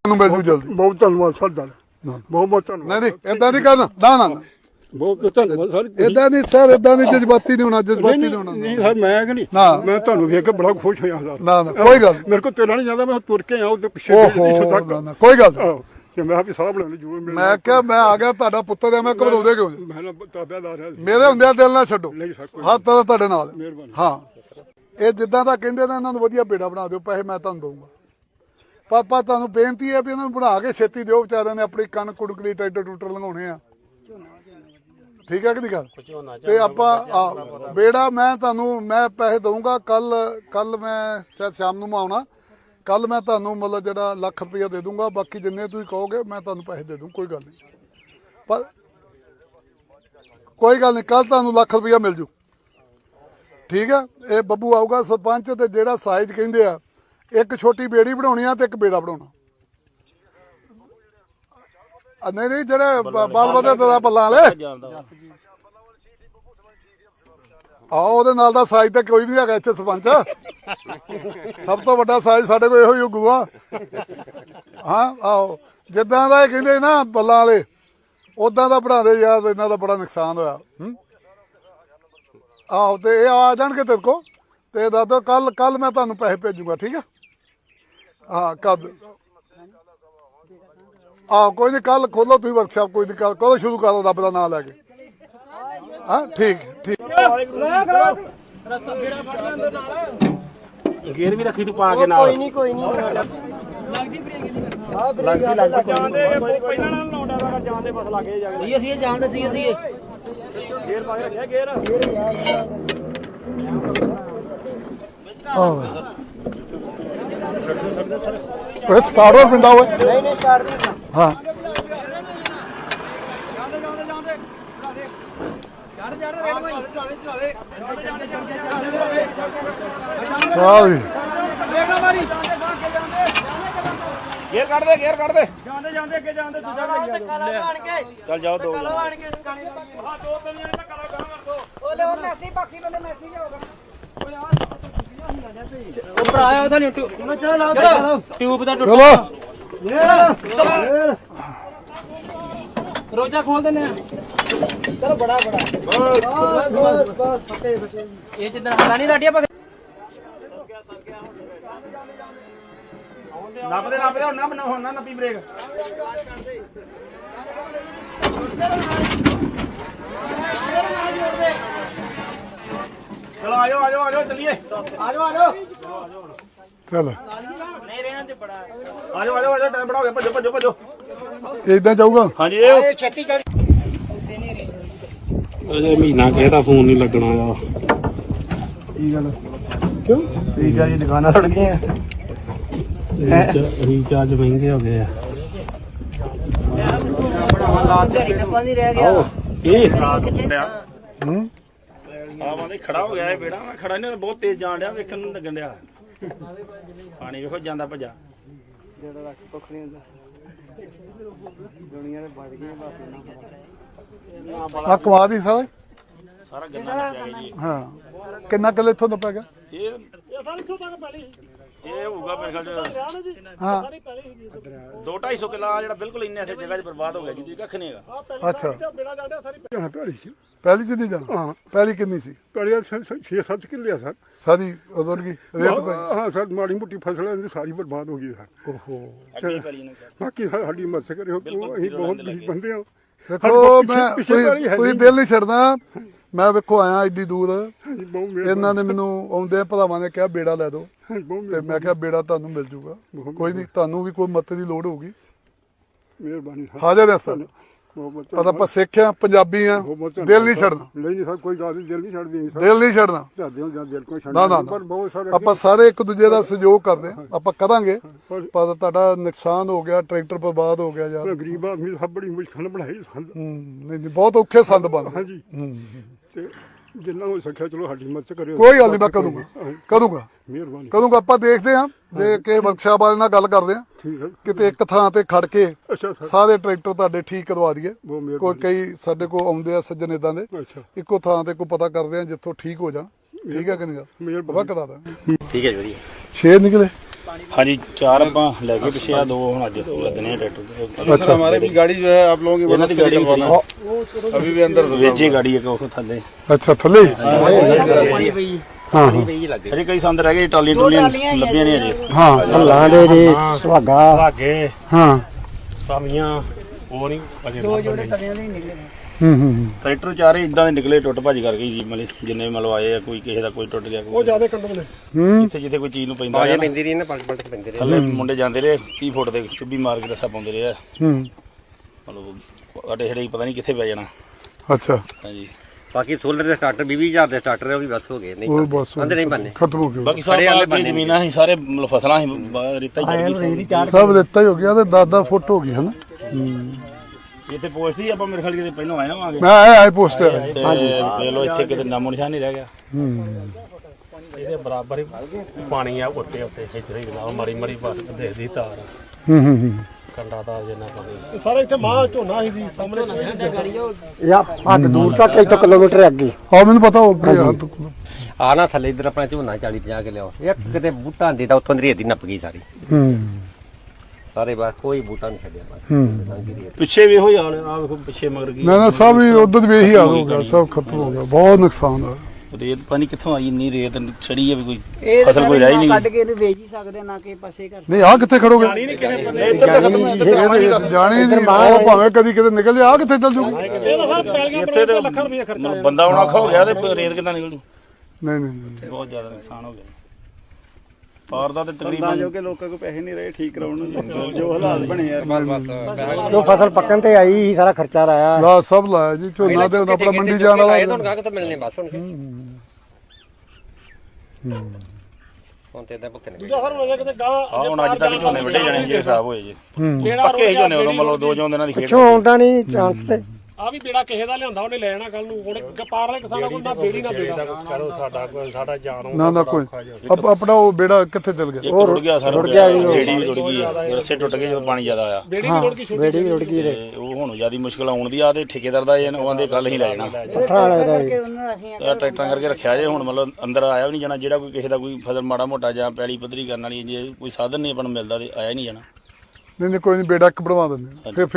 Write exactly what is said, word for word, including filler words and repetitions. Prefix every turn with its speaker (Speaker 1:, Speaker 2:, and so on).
Speaker 1: ਮਿਲ ਜੂ ਜਲਦੀ।
Speaker 2: ਬਹੁਤ ਧੰਨਵਾਦ ਸਰ ਦਾ, ਬਹੁਤ ਬਹੁਤ ਧੰਨਵਾਦ।
Speaker 1: ਨਹੀਂ ਨਹੀਂ ਇਦਾਂ ਨਹੀਂ ਕਰਨਾ, ਨਾ ਨਾ ਨਾ
Speaker 2: ਬਹੁਤ ਧੰਨਵਾਦ ਸਰ।
Speaker 1: ਇਦਾਂ ਨਹੀਂ ਸਰ, ਇਦਾਂ ਨਹੀਂ ਜਜ਼ਬਾਤੀ ਨਹੀਂ ਹੋਣਾ, ਜਜ਼ਬਾਤੀ ਨਹੀਂ ਹੋਣਾ।
Speaker 2: ਨਹੀਂ ਸਰ ਮੈਂ ਕਿ ਨਹੀਂ, ਮੈਂ ਤੁਹਾਨੂੰ ਵੇਖ ਕੇ ਬੜਾ ਖੁਸ਼ ਹੋਇਆ ਸਰ।
Speaker 1: ਨਾ ਨਾ ਕੋਈ ਗੱਲ
Speaker 2: ਮੇਰੇ ਕੋਲ ਤੇਰਾ ਨਹੀਂ ਜਾਂਦਾ, ਮੈਂ ਤੁਰ ਕੇ ਆਉਂ ਤੇ ਪਿੱਛੇ
Speaker 1: ਓਹੋ ਨਾ ਕੋਈ ਗੱਲ ਨਹੀਂ।
Speaker 2: ਤੇ ਮੈਂ ਵੀ ਸਾਹ ਬਣਾਉਣ ਜੂਰ ਮਿਲ
Speaker 1: ਮੈਂ ਕਿਹਾ ਮੈਂ ਆ ਗਿਆ ਤੁਹਾਡਾ ਪੁੱਤਰ ਆ, ਮੈਂ ਘਬਰਾਉਂਦੇ ਕਿਉਂ?
Speaker 2: ਮੈਂ ਨਾ ਤਾਬਿਆਦਾਰ ਹਾਂ
Speaker 1: ਮੇਰੇ ਹੁੰਦਿਆਂ ਦਿਲ ਨਾ ਛੱਡੋ,
Speaker 2: ਨਹੀਂ ਸਰ ਕੋਈ
Speaker 1: ਹੱਥ ਤਾਂ ਤੁਹਾਡੇ ਨਾਲ।
Speaker 2: ਮਿਹਰਬਾਨੀ।
Speaker 1: ਹਾਂ ਇਹ ਜਿੱਦਾਂ ਦਾ ਕਹਿੰਦੇ ਨੇ ਇਹਨਾਂ ਨੂੰ ਵਧੀਆ ਬੇੜਾ ਬਣਾ ਦਿਓ, ਪੈਸੇ ਮੈਂ ਤੁਹਾਨੂੰ ਦਊਂਗਾ। ਪਾਪਾ ਤੁਹਾਨੂੰ ਬੇਨਤੀ ਹੈ ਵੀ ਇਹਨਾਂ ਨੂੰ ਬਣਾ ਕੇ ਛੇਤੀ ਦਿਓ, ਵਿਚਾਰਿਆਂ ਨੇ ਆਪਣੀ ਕਣਕ ਕੁਣਕ ਦੀ ਟਰੈਕਟਰ ਟੂਟਰ ਲੰਘਾਉਣੇ ਆ, ਠੀਕ ਹੈ ਕਿ ਨਹੀਂ ਗੱਲ? ਤੇ ਆਪਾਂ ਬੇੜਾ ਮੈਂ ਤੁਹਾਨੂੰ ਮੈਂ ਪੈਸੇ ਦਊਂਗਾ। ਕੱਲ ਕੱਲ ਮੈਂ ਸ਼ਾਇਦ ਸ਼ਾਮ ਨੂੰ ਮੈਂ ਆਉਣਾ, ਕੱਲ ਮੈਂ ਤੁਹਾਨੂੰ ਮਤਲਬ ਜਿਹੜਾ ਲੱਖ ਰੁਪਈਆ ਦੇ ਦੂੰਗਾ, ਬਾਕੀ ਜਿੰਨੇ ਤੁਸੀਂ ਕਹੋਗੇ ਮੈਂ ਤੁਹਾਨੂੰ ਪੈਸੇ ਦੇ ਦੂੰ, ਕੋਈ ਗੱਲ ਨਹੀਂ। ਪਰ ਕੋਈ ਗੱਲ ਨਹੀਂ, ਕੱਲ ਤੁਹਾਨੂੰ ਲੱਖ ਰੁਪਈਆ ਮਿਲ ਜੂ, ਠੀਕ ਹੈ? ਇਹ ਬੱਬੂ ਆਊਗਾ ਸਰਪੰਚ, ਤੇ ਜਿਹੜਾ ਸਾਈਜ਼ ਕਹਿੰਦੇ ਆ, ਇੱਕ ਛੋਟੀ ਬੇੜੀ ਬਣਾਉਣੀ ਆ ਤੇ ਇੱਕ ਬੇੜਾ ਬਣਾਉਣਾ। ਨਹੀਂ ਨਹੀਂ ਜਿਹੜੇ ਬਾਲ ਵਧੇ ਦਾ ਬੱਲਾਂ ਵਾਲੇ ਆਹ ਉਹਦੇ ਨਾਲ ਦਾ ਸਾਈਜ਼ ਤਾਂ ਕੋਈ ਨਹੀਂ ਹੈਗਾ ਇੱਥੇ ਸਰਪੰਚ। ਸਭ ਤੋਂ ਵੱਡਾ ਸਾਈਜ਼ ਸਾਡੇ ਕੋਲ ਇਹੋ ਹੀ ਗੁਆ। ਹਾਂ ਆਹੋ ਜਿੱਦਾਂ ਦਾ ਇਹ ਕਹਿੰਦੇ ਨਾ ਬੱਲਾਂ ਵਾਲੇ, ਉਦਾਂ ਦਾ ਬਣਾ ਦੇ ਯਾਰ, ਇਹਨਾਂ ਦਾ ਬੜਾ ਨੁਕਸਾਨ ਹੋਇਆ। ਆਹੋ ਤੇ ਇਹ ਆ ਜਾਣਗੇ ਤੇਰੇ ਕੋਲ, ਤੇ ਦੱਸ ਦਿਓ ਕੱਲ ਕੱਲ ਮੈਂ ਤੁਹਾਨੂੰ ਪੈਸੇ ਭੇਜੂਗਾ, ਠੀਕ ਹੈ? ਹਾਂ ਕਦ ਆਹ ਕੋਈ ਨਹੀਂ, ਕੱਲ ਖੋਲੋ ਤੁਸੀਂ ਵਰਕਸ਼ਾਪ, ਕੋਈ ਨਹੀਂ ਕਦੋਂ ਸ਼ੁਰੂ ਕਰੋ ਰੱਬ ਦਾ ਨਾਮ ਲੈ ਕੇ। ਹਾਂ ਠੀਕ ਠੀਕ।
Speaker 3: ਗੇਰ ਵੀ ਰੱਖੀ ਤੂੰ ਪਾ ਕੇ ਨਾਲ।
Speaker 4: ਕੋਈ ਨਹੀਂ ਕੋਈ ਨਹੀਂ ਲੱਗਦੀ ਬ੍ਰੇਕ ਨਹੀਂ ਹਾਂ ਬ੍ਰੇਕ
Speaker 3: ਲੱਗਦੀ ਜਾਂਦੇ ਪਹਿਲਾਂ ਨਾਲ ਲਾਉਂਦਾ ਦਾ ਜਾਂਦੇ ਬਸ ਲੱਗੇ ਜਾ
Speaker 4: ਵੀ ਅਸੀਂ ਇਹ ਜਾਣਦੇ ਸੀ ਅਸੀਂ
Speaker 3: ਗੇਰ ਪਾ ਕੇ ਰੱਖਿਆ ਗੇਰ।
Speaker 1: ਆਹ ਵੇ ਸਟਾਰਟ ਹੋ ਪਿੰਡਾ ਓਏ।
Speaker 4: ਨਹੀਂ ਨਹੀਂ ਸਟਾਰਟ ਨਹੀਂ
Speaker 1: ਹਾਂ
Speaker 4: ਜਾਂਦੇ ਜਾਂਦੇ ਜਾਂਦੇ ਚੜ ਚੜ ਰੇਡ ਭਾਈ ਚਲੇ ਚਲੇ
Speaker 1: ਚੱਲ ਵੀ
Speaker 4: ਦੇਖਾ ਮਾਰੀ
Speaker 3: ਗੇਰ ਕੱਢ ਦੇ ਗੇਰ ਕੱਢ ਦੇ।
Speaker 4: ਜਾਂਦੇ ਜਾਂਦੇ ਅੱਗੇ ਜਾਂਦੇ ਦੂਜਾ ਭਾਈ ਬਣ ਕੇ
Speaker 3: ਚੱਲ ਜਾਓ ਦੋ
Speaker 4: ਕਲੋ ਬਣ ਕੇ ਦੁਕਾਨੇ
Speaker 3: ਹਾਂ ਦੋ ਤਿੰਨ ਜਣੇ ਤਾਂ ਕਲਾ ਗਾਂ ਕਰ ਦੋ।
Speaker 4: ਉਹਲੇ ਉਹ ਮੈਸੇਜ ਬਾਕੀ ਬੰਦੇ ਮੈਸੇਜ ਹੋਗਾ ਉਹ ਭਰਾ ਆਇਆ ਉਹਦਾ ਨਹੀਂ ਟਿਊਬ ਚਲੋ ਲਾਓ ਟਿਊਬ ਦਾ ਟੁੱਟ
Speaker 1: ਚਲੋ
Speaker 4: ਰੋਜਾ ਖੋਲ ਦਿੰਦੇ ਆ। ਚਲੋ ਬੜਾ ਬੜਾ ਬਸ ਬਸ ਬਸ ਫੱਟੇ ਫੱਟੇ ਇਹ ਜਿੱਦਣ ਹਲਾ ਨਹੀਂ ਰਾਡੀਆ
Speaker 3: ਨੱਪ ਦੇ ਨੱਪ ਦੇ ਹੁਣ ਨਾ ਬਣਾ, ਹੁਣ ਨਾ ਨੱਪੀ ਬ੍ਰੇਕ। ਚਲੋ ਆਜੋ ਆਜੋ ਆਜੋ ਚੱਲੀਏ।
Speaker 4: ਆਜੋ ਆਜੋ
Speaker 1: ਚੱਲ
Speaker 4: ਨਹੀਂ ਰਹਿਣ ਤੇ ਬੜਾ
Speaker 3: ਆਜੋ ਆਜੋ ਆਜੋ ਟਾਈਮ ਬੜਾ ਹੋ ਗਿਆ, ਭੱਜੋ ਭੱਜੋ ਭੱਜੋ।
Speaker 1: ਇਦਾਂ ਜਾਊਗਾ।
Speaker 3: ਹਾਂਜੀ ਇਹ
Speaker 4: ਛੇਤੀ ਕਰ
Speaker 3: ਅਜੇ ਮਹੀਨਾ ਕਿਸੇ ਦਾ ਫੋਨ ਨਹੀਂ ਲੱਗਣਾ ਆ।
Speaker 1: ਕੀ ਗੱਲ
Speaker 3: ਕਿਉਂ?
Speaker 4: ਰੀਚਾਰਜ ਦੀ ਦੁਕਾਨਾਂ ਰੁੜ ਗਈਆਂ
Speaker 3: ਰੀਚਾਰਜ ਮਹਿੰਗੇ ਹੋ ਗਏ ਆ।
Speaker 4: ਪਾਣੀ ਰਹਿ ਗਿਆ
Speaker 3: ਇਹ
Speaker 1: ਹੂੰ
Speaker 3: ਆਵਾਂ ਦੇ ਖੜਾ ਹੋ ਗਿਆ ਇਹ ਬੇੜਾ। ਮੈਂ ਖੜਾ ਨਹੀਂ, ਬਹੁਤ ਤੇਜ਼ ਜਾਣ ਡਿਆ, ਵੇਖਣ ਨੂੰ ਲੱਗਣ ਡਿਆ। ਪਾਣੀ ਵੇਖੋ ਜਾਂਦਾ ਭੱਜਾ।
Speaker 4: ਜਿਹੜਾ ਰੱਖ ਕੁੱਖ ਨਹੀਂ ਹੁੰਦਾ ਦੁਨੀਆ ਦੇ ਵੱਜ ਗਏ ਬਸ
Speaker 1: ਆ ਕਵਾ ਦੀ ਸਾਰਾ
Speaker 3: ਸਾਰਾ ਗੰਨਾ ਲੱਗਿਆ ਜੀ।
Speaker 1: ਹਾਂ ਕਿੰਨਾ ਕਿੱਲੇ ਇੱਥੋਂ ਦਾ ਪੈ ਗਿਆ?
Speaker 3: ਇਹ ਇਹ ਸਾਰੀ ਇੱਥੋਂ ਤੱਕ ਪਹਿਲੀ ਇਹ ਹੋਊਗਾ ਮੇਰੇ ਖਿਆਲ ਚ
Speaker 1: ਹਾਂ
Speaker 3: ਦੋ ਢਾਈ ਸੌ ਕਿੱਲਾ ਜਿਹੜਾ ਬਿਲਕੁਲ ਇੰਨੇ ਇੱਥੇ ਜਗ੍ਹਾ 'ਚ ਬਰਬਾਦ ਹੋ ਗਿਆ, ਜਿਹਦੀ ਕੱਖ ਨਹੀਂ ਹੈਗਾ।
Speaker 1: ਅੱਛਾ
Speaker 2: ਜਾਣਾ ਭੈੜੀ ਸੀ।
Speaker 1: ਪਹਿਲੀ ਚ ਨਹੀਂ ਜਾਣਾ?
Speaker 2: ਹਾਂ
Speaker 1: ਪਹਿਲੀ ਕਿੰਨੀ ਸੀ?
Speaker 2: ਕੜੀਆ ਛੇ ਸੱਤ ਕਿੱਲੇ ਆ ਸਰ।
Speaker 1: ਸਾਰੀ ਉਦੋਂ ਕੀ ਰੇਤ ਪਈ?
Speaker 2: ਹਾਂ ਸਰ ਮਾੜੀ ਮੋਟੀ ਫਸਲ ਇਹਦੀ ਸਾਰੀ ਬਰਬਾਦ ਹੋ ਗਈ ਸਰ।
Speaker 1: ਓਹੋ
Speaker 3: ਅੱਗੇ ਪਹਿਲੀ ਨੇ
Speaker 2: ਬਾਕੀ ਸਰ ਸਾਡੀ ਮਦਦ ਕਰਿਓ, ਅਸੀਂ ਬਹੁਤ ਗਰੀਬ ਬੰਦੇ ਆ।
Speaker 1: ਵੇਖੋ ਮੈਂ ਤੁਸੀਂ ਤੁਸੀਂ ਦਿਲ ਨਹੀਂ ਛੱਡਦਾ। ਮੈਂ ਵੇਖੋ ਆਇਆ ਏਡੀ ਦੂਰ,
Speaker 2: ਬਹੁਤ
Speaker 1: ਇਹਨਾਂ ਨੇ ਮੈਨੂੰ ਆਉਂਦੇ ਭਰਾਵਾਂ ਨੇ ਕਿਹਾ ਬੇੜਾ ਲੈ ਦਿਓ,
Speaker 2: ਬਹੁਤ
Speaker 1: ਤੇ ਮੈਂ ਕਿਹਾ ਬੇੜਾ ਤੁਹਾਨੂੰ ਮਿਲ ਜੂਗਾ, ਕੋਈ ਨਹੀਂ ਤੁਹਾਨੂੰ ਵੀ ਕੋਈ ਮਦਦ ਦੀ ਲੋੜ ਹੋਊਗੀ।
Speaker 2: ਮਿਹਰਬਾਨੀ ਸਰ।
Speaker 1: ਹਾਜ਼ਰ ਹਾਂ ਸਰ।
Speaker 2: ਬਹੁਤ ਬਹੁਤ
Speaker 1: ਪਤਾ ਆਪਾਂ ਸਿੱਖ ਆ, ਪੰਜਾਬੀ ਆ, ਦਿਲ ਨਹੀਂ ਛੱਡਣਾ।
Speaker 2: ਨਹੀਂ ਨਹੀਂ ਸਰ ਕੋਈ ਗੱਲ ਨਹੀਂ, ਦਿਲ ਨਹੀਂ ਛੱਡਦੀ ਸਰ।
Speaker 1: ਦਿਲ ਨਹੀਂ ਛੱਡਣਾ।
Speaker 2: ਝਾਦੇ ਹੋ ਜਾਂ ਦਿਲ ਕੋਈ
Speaker 1: ਨਾ ਨਾ
Speaker 2: ਛੱਡਦਾ ਪਰ ਬਹੁਤ ਸਾਰੇ
Speaker 1: ਆਪਾਂ ਸਾਰੇ ਇੱਕ ਦੂਜੇ ਦਾ ਸਹਿਯੋਗ ਕਰਦੇ ਆ, ਆਪਾਂ ਕਰਾਂਗੇ। ਪਰ ਤੁਹਾਡਾ ਨੁਕਸਾਨ ਹੋ ਗਿਆ, ਟਰੈਕਟਰ ਬਰਬਾਦ ਹੋ ਗਿਆ ਯਾਰ।
Speaker 2: ਗਰੀਬ ਆਦਮੀ ਸਭ ਬੜੀ ਮੁਸ਼ਕਲ ਬਣਾਈ ਸੰਦ।
Speaker 1: ਹੂੰ ਨਹੀਂ ਨਹੀਂ ਬਹੁਤ ਔਖੇ ਸੰਦ ਬਣ।
Speaker 2: ਹਾਂਜੀ
Speaker 1: ਹੂੰ
Speaker 2: ਤੇ ਜਿੰਨਾ ਹੋ ਸਕਿਆ ਚਲੋ ਸਾਡੀ ਮਦਦ ਕਰਿਓ।
Speaker 1: ਕੋਈ ਗੱਲ ਨਹੀਂ, ਮੈਂ ਕਰੂੰਗਾ ਕਰੂੰਗਾ
Speaker 2: ਮਿਹਰਬਾਨੀ
Speaker 1: ਕਰੂੰਗਾ। ਆਪਾਂ ਦੇਖਦੇ ਆ, ਜੇ ਕਿਸੇ ਵਰਕਸ਼ਾਪ ਵਾਲੇ ਨਾਲ ਗੱਲ ਕਰਦੇ ਆ,
Speaker 2: ਠੀਕ ਹੈ।
Speaker 1: ਕਿਤੇ ਇੱਕ ਥਾਂ ਤੇ ਖੜ ਕੇ
Speaker 2: ਅੱਛਾ ਸਰ
Speaker 1: ਸਾਰੇ ਟਰੈਕਟਰ ਤੁਹਾਡੇ ਠੀਕ ਕਰਵਾ ਦਈਏ।
Speaker 2: ਬਹੁਤ ਮਿਹਰਬਾਨੀ।
Speaker 1: ਕੋਈ ਕਈ ਸਾਡੇ ਕੋਲ ਆਉਂਦੇ ਆ ਸੱਜਣ ਏਦਾਂ ਦੇ,
Speaker 2: ਅੱਛਾ
Speaker 1: ਇੱਕੋ ਥਾਂ ਤੇ ਕੋਈ ਪਤਾ ਕਰਦੇ ਆ ਜਿੱਥੋਂ ਠੀਕ ਹੋ ਜਾਣ, ਠੀਕ ਹੈ ਕਿ ਨਹੀਂ ਗੱਲ?
Speaker 2: ਮਿਹਰਬਾਨੀ।
Speaker 1: ਆਪਾਂ ਕਰਾ ਦਾਂ।
Speaker 3: ਠੀਕ ਹੈ ਜੀ ਵਧੀਆ।
Speaker 1: ਛੇ ਨਿਕਲੇ
Speaker 3: ਹਾਂਜੀ ਚਾਰ ਆਪਾਂ ਲੈ ਕੇ ਪਿੱਛੇ ਆ ਦੋ ਹੁਣ ਅੱਜ ਲੱਦਨੇ ਆ ਟਰੈਕਟਰ
Speaker 1: अच्छा
Speaker 5: हमारे भी गाड़ी जो है आप लोगों की
Speaker 3: ਇਹਨਾਂ
Speaker 5: मदद
Speaker 3: ਦੀ
Speaker 5: से
Speaker 3: ਗੱਡੀ
Speaker 5: निकलवाना अभी भी अंदर
Speaker 3: ਵਿੱਚ ਹੀ ਗਾੜੀ ਇੱਕ ਉਹ ਥੱਲੇ
Speaker 1: अच्छा थले
Speaker 4: ਪਾਣੀ ਪਈ
Speaker 1: हाँ हाँ
Speaker 3: ਅਜੇ ਕਈ ਸੰਦ ਰਹਿ ਗਏ ਟਾਲੀ ਟੁਲੀਆਂ ਲੱਭੀਆਂ ਨਹੀਂ ਅਜੇ
Speaker 1: हाँ
Speaker 6: ਲਾਂਡੇ ਦੇ ਸੁਹਾਗਾ
Speaker 2: ਭਾਗੇ
Speaker 1: हाँ
Speaker 2: ਸਾਮੀਆਂ ਉਹ ਨਹੀਂ ਅਜੇ
Speaker 4: ਦੋ ਜੋੜੇ ਤਵਿਆਂ ਦੇ ਹੀ ਨਿਕਲੇ
Speaker 1: हम्म हम्म
Speaker 3: ਟਰੈਕਟਰ ਚਾਰੇ ਇਦਾਂ ਦੇ ਨਿਕਲੇ ਟੁੱਟ ਭੱਜ ਕਰ ਗਈ ਜੀ ਮਤਲਬ ਜਿੰਨੇ ਮਤਲਬ ਆਏ ਆ ਕੋਈ ਕਿਸੇ ਦਾ ਕੋਈ ਟੁੱਟ ਗਿਆ ਉਹ
Speaker 2: ਜਿਆਦਾ ਕੰਡਮ ਨੇ
Speaker 3: ਜਿੱਥੇ ਜਿੱਥੇ ਕੋਈ ਚੀਜ਼ ਨੂੰ ਪੈਂਦਾ ਰਿਹਾ ਨਾ,
Speaker 6: ਪੈਂਦੀ ਰਹੀ ਨਾ ਪਲਟ ਪਲਟ ਕੇ ਪੈਂਦੀ ਰਹੀ
Speaker 3: ਥੱਲੇ ਮੁੰਡੇ ਜਾਂਦੇ ਰਹੇ ਤੀਹ ਫੁੱਟ ਦੇ ਚੁੱਭੀ ਮਾਰ ਕੇ ਰੱਸਾ ਪਾਉਂਦੇ ਰਹੇ ਆ
Speaker 1: हम्म
Speaker 3: ਮਤਲਬ ਅਡੇ ਹੜੇ ਪਤਾ ਨਹੀਂ ਕਿੱਥੇ ਪੈ ਜਾਣਾ
Speaker 1: अच्छा
Speaker 3: ਹਾਂਜੀ
Speaker 6: ਬਾਕੀ ਸੋਲਰ ਦੇ ਸਟਾਰਟਰ ਵੀਹ ਵੀਹ ਹਜ਼ਾਰ ਦੇ ਸਟਾਰਟਰ ਉਹ ਵੀ ਬਸ ਹੋ ਗਏ ਨਹੀਂ
Speaker 1: वो बस
Speaker 6: ਅੰਦਰ ਨਹੀਂ ਬੰਨੇ
Speaker 1: खत्म हो गया
Speaker 3: ਬਾਕੀ ਸਭ ਬਾਕੀ ਜ਼ਮੀਨਾਂ ਸੀ ਸਾਰੇ ਮਤਲਬ ਫਸਲਾਂ ਸੀ ਬ- ਰੇਤਾ ਹੀ ਚੜ ਗਈ
Speaker 1: सब रेता ही हो गया तो दस दस फुट हो गया है ना
Speaker 3: ਇੱਥੇ ਪੋਸਟ ਸੀ ਆਪਾਂ ਮੇਰੇ ਖਿਆਲ ਕਿਤੇ ਪਹਿਲਾਂ ਆਏ ਹੋਵਾਂਗੇ
Speaker 1: मैं आया आई पोस्ट है
Speaker 3: ਤੇ ਵੇਖ ਲਓ ਇੱਥੇ ਕਿਤੇ ਨਾਮੋ ਨਿਸ਼ਾਨ ਨਹੀਂ ਰਹਿ ਗਿਆ
Speaker 2: ਇਹਦੇ ਬਰਾਬਰ ਹੀ ਪਾਣੀ ਆ ਉੱਤੇ ਉੱਤੇ ਇੱਧਰ ਹੀ ਲਾ ਮਾਰੀ ਮਾਰੀ ਬਸ ਦੇਖਦੀ ਤਾਰ
Speaker 1: हम्म हम्म हम्म
Speaker 2: ਕੰਡਾ ਤਾਰ ਜਿੰਨਾ ਪਾਣੀ ਸਾਰਾ ਇੱਥੇ ਮਾਂ ਝੋਨਾ ਸੀ ਦੀ ਸਾਹਮਣੇ
Speaker 6: ਯਾ ਹੱਦ ਦੂਰ ਤੱਕ ਇੱਕ ਕਿਲੋਮੀਟਰ ਅੱਗੇ
Speaker 1: हाँ मैंने पता हो गया तो-
Speaker 6: ਆ ਨਾ ਥੱਲੇ ਇੱਧਰ ਆਪਣਾ ਝੋਨਾ ਚਾਲੀ ਪੰਜਾਹ ਕੇ ਲਿਆਓ ਇੱਕ ਕਿਤੇ ਬੂਟਾ ਦੇ ਤਾਂ ਉੱਥੋਂ ਦੀ ਰੇਤ ਹੀ ਨੱਪ ਗਈ ਸਾਰੀ
Speaker 1: हम्म
Speaker 6: ਸਾਰੇ ਬਸ ਕੋਈ ਬੂਟਾ ਨਹੀਂ ਛੱਡਿਆ ਬਸ
Speaker 1: हम्म
Speaker 6: ਲੰਘੀ ਰੇਤ
Speaker 3: ਪਿੱਛੇ ਵੀ ਇਹੋ ਹੀ ਹਾਲ ਆ ਵੇਖੋ ਪਿੱਛੇ ਮਗਰ ਕੀ
Speaker 1: ना ना सब ही उधर भी यही हाल हो गया सब खत्म हो गया बहुत नुकसान है
Speaker 3: ਰੇਤ ਪਾਣੀ ਕਿੱਥੋਂ ਆਈ ਇੰਨੀ ਰੇਤ ਛੜੀ ਆ ਵੀ ਕੋਈ
Speaker 4: ਇਹ
Speaker 3: ਫਸਲ ਕੋਈ ਰਹਿ ਹੀ ਨਹੀਂ
Speaker 4: ਕੱਢ ਕੇ ਇਹਨੂੰ ਵੇਚ ਹੀ ਸਕਦੇ ਨਾ ਕਿ ਪਾਸੇ ਕਰ
Speaker 1: नहीं आ कितने खड़ोगे
Speaker 3: ਇੱਧਰ ਤਾਂ ਖਤਮ ਇੱਧਰ ਤਾਂ ਪਾਣੀ ਦਾ
Speaker 1: जानी नहीं ਉਹ ਭਾਵੇਂ ਕਦੀ ਕਿਤੇ ਨਿਕਲ ਜਾ ਆ ਕਿੱਥੇ ਚੱਲ ਜੂ
Speaker 3: ਇੱਥੇ ਤੇ ਮਤਲਬ ਬੰਦਾ ਆਉਣਾ ਔਖਾ ਹੋ ਗਿਆ ਤੇ ਰੇਤ ਕਿੱਦਾਂ ਨਿਕਲ ਜੂ
Speaker 1: ਨਹੀਂ ਨਹੀਂ ਨਹੀਂ
Speaker 3: ਬਹੁਤ ਜ਼ਿਆਦਾ ਨੁਕਸਾਨ ਹੋ ਗਿਆ ਪਾਰ ਦਾ ਤੇ ਤਕਰੀਬਨ
Speaker 5: जो के लोगों को पैसे नहीं रहे ठीक कराने जो जो हालात बने यार बस बस
Speaker 6: ਜੋ ਫਸਲ ਪੱਕਣ ਤੇ ਆਈ ਸੀ ਸਾਰਾ ਖਰਚਾ ਲਾਇਆ
Speaker 1: ਲਾ ਸਭ ਲਾਇਆ ਜੀ ਝੋਨਾ ਤੇ ਹੁਣ ਆਪਣਾ ਮੰਡੀ ਜਾਣ ਵਾਲਾ
Speaker 6: ਤੁਹਾਨੂੰ ਕਹਾਂ ਕਿ ਮਿਲਨੇ ਬਸ ਹੁਣ ਹੁਣ ਤੇ ਇਦਾਂ ਭੁਗਤਣੇ ਪਏ।
Speaker 3: ਆ ਹੁਣ ਅੱਜ ਤੱਕ ਝੋਨੇ ਵੱਡੇ ਜਾਣੇ ਜਿਹੜੇ ਖਰਾਬ ਹੋਏ ਜੀ ਪੱਕੇ ਹੀ ਝੋਨੇ ਉਦੋਂ ਮਤਲਬ ਦੋ ਜੋਂ ਦਿਨਾਂ ਦੀ ਖੇਡ
Speaker 6: ਪਿੱਛੋਂ ਆਉਂਦਾ ਨਹੀਂ ਚਾਂਸ ਤੇ
Speaker 2: ਆ ਵੀ ਬੇੜਾ ਕਿਸੇ ਦਾ ਲਿਆਂਦਾ ਉਹਨੇ ਲੈ ਜਾਣਾ ਕੱਲ ਨੂੰ ਹੁਣ ਪਾਰ ਵਾਲੇ ਕਿਸਾਨਾਂ ਕੋਲ ਨਾ ਬੇੜੀ ਨਾ ਬੇੜਾ ਕਰੋ ਸਾਡਾ ਕੋਈ ਸਾਡਾ ਜਾਨ
Speaker 1: ਨਾ ਨਾ ਕੋਈ ਆਪ- ਆਪਣਾ ਉਹ ਬੇੜਾ ਕਿੱਥੇ ਚਲ ਗਿਆ
Speaker 3: ਇੱਕ ਰੁੜ ਗਿਆ ਸਰ ਰੁੜ ਗਿਆ ਜਿਹੜੀ ਵੀ ਰੁੜ ਗਈ ਆ ਰੱਸੇ ਟੁੱਟ ਗਏ ਜਦੋਂ ਪਾਣੀ ਜ਼ਿਆਦਾ ਆਇਆ
Speaker 2: ਬੇੜੀ ਵੀ ਰੁੜ ਗਈ ਛੋਟੀ
Speaker 6: ਬੇੜੀ ਵੀ ਉੜ ਗਈ
Speaker 3: ਤੇ ਉਹ ਹੁਣ ਜਿਆਦਾ ਮੁਸ਼ਕਲ ਆਉਣ ਦੀ ਆ ਤੇ ਠੇਕੇਦਾਰ ਦਾ ਇਹ ਉਹ ਆਂਦੇ ਕੱਲ ਹੀ ਲੈ ਜਾਣਾ
Speaker 6: ਪੱਥਰਾਂ ਲੱਗਦਾ
Speaker 4: ਕਰਕੇ ਉਹਨਾਂ ਰੱਖੀਆਂ
Speaker 3: ਇਹ ਟਰੈਕਟਰਾਂ ਕਰਕੇ ਰੱਖਿਆ ਜੇ ਹੁਣ ਮਤਲਬ ਅੰਦਰ ਆਇਆ ਵੀ ਨਹੀਂ ਜਾਣਾ ਜਿਹੜਾ ਕੋਈ ਕਿਸੇ ਦਾ ਕੋਈ ਫਸਲ ਮਾੜਾ ਮੋਟਾ ਜਾਂ ਪੈਲੀ ਪੱਧਰੀ ਕਰਨ ਵਾਲੀ ਜੇ ਕੋਈ ਸਾਧਨ ਨਹੀਂ ਆਪਾਂ ਨੂੰ ਮਿਲਦਾ ਤੇ ਆਇਆ ਹੀ ਨਹੀਂ ਜਾਣਾ
Speaker 1: ਨਹੀਂ ਨਹੀਂ ਕੋਈ ਨਹੀਂ ਬੇੜਾ ਇੱਕ ਬਣਵਾ ਦਿੰਦੇ ਆ। ਫਿਰ